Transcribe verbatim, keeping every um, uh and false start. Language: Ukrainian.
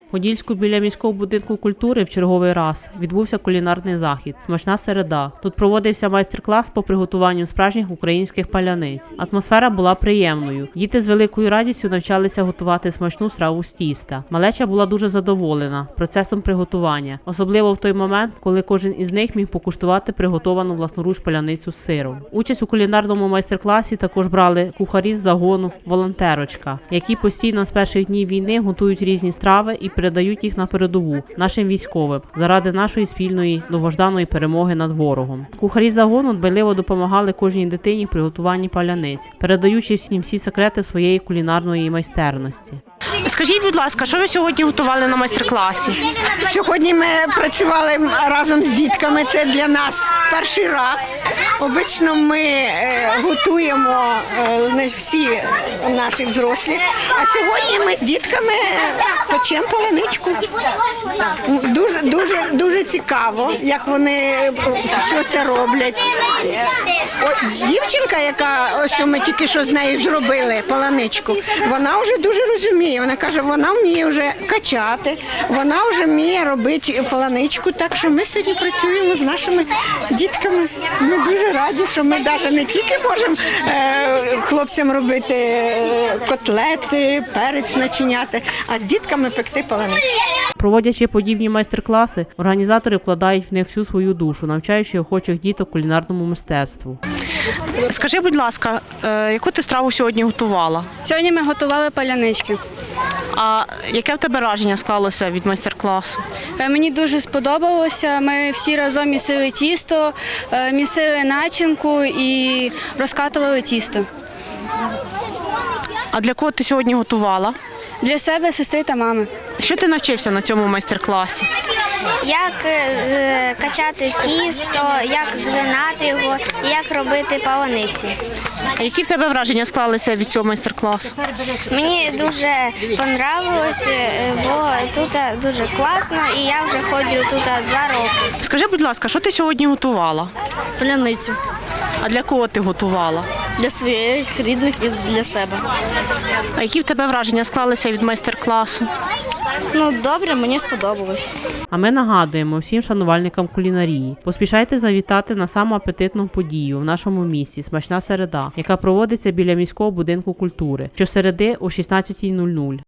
Подільську біля міського будинку культури в черговий раз відбувся кулінарний захід «Смачна середа». Тут проводився майстер-клас по приготуванню справжніх українських паляниць. Атмосфера була приємною. Діти з великою радістю навчалися готувати смачну страву з тіста. Малеча була дуже задоволена процесом приготування, особливо в той момент, коли кожен із них міг покуштувати приготовану власноруч паляницю з сиром. Участь у кулінарному майстер-класі також брали кухарі з загону «Волонтерочка», які постійно з перших днів війни готують різні страви і передають їх на передову нашим військовим заради нашої спільної довгожданої перемоги над ворогом. Кухарі загону дбайливо допомагали кожній дитині в приготуванні паляниць, передаючи всім всі секрети своєї кулінарної майстерності. Скажіть, будь ласка, що ви сьогодні готували на майстер-класі? Сьогодні ми працювали разом з дітками, це для нас перший раз. Обично ми е, готуємо е, значить, всі наші взрослі, а сьогодні ми з дітками печемо паленичку. Дуже, дуже, дуже цікаво, як вони все це роблять. Ось дівчинка, яка ось ми тільки що з нею зробили паленичку, вона вже дуже розуміє. Вона каже, вона вміє вже качати, вона вже вміє робити паленичку. Так що ми сьогодні працюємо з нашими дітками. Ми дуже раді, що ми навіть не тільки можемо е, хлопцям робити котлети, перець начиняти, а з дітками пекти паленичку. Проводячи подібні майстер-класи, організатори вкладають в них всю свою душу, навчаючи охочих діток кулінарному мистецтву. Скажи, будь ласка, яку ти страву сьогодні готувала? Сьогодні ми готували палянички. А яке в тебе враження склалося від майстер-класу? Мені дуже сподобалося. Ми всі разом місили тісто, місили начинку і розкатували тісто. А для кого ти сьогодні готувала? Для себе, сестри та мами. Що ти навчився на цьому майстер-класі? Як е, качати тісто, як згинати його, і як робити палениці. А які в тебе враження склалися від цього майстер-класу? Мені дуже понравилось, бо тут дуже класно, і я вже ходжу тут два роки. Скажи, будь ласка, що ти сьогодні готувала? Паляницю. А для кого ти готувала? Для своїх рідних і для себе. А які в тебе враження склалися від майстер-класу? Ну, добре, мені сподобалось. А ми нагадуємо всім шанувальникам кулінарії. Поспішайте завітати на саму апетитну подію в нашому місті «Смачна середа», яка проводиться біля міського будинку культури щосереди о шістнадцятій нуль нуль.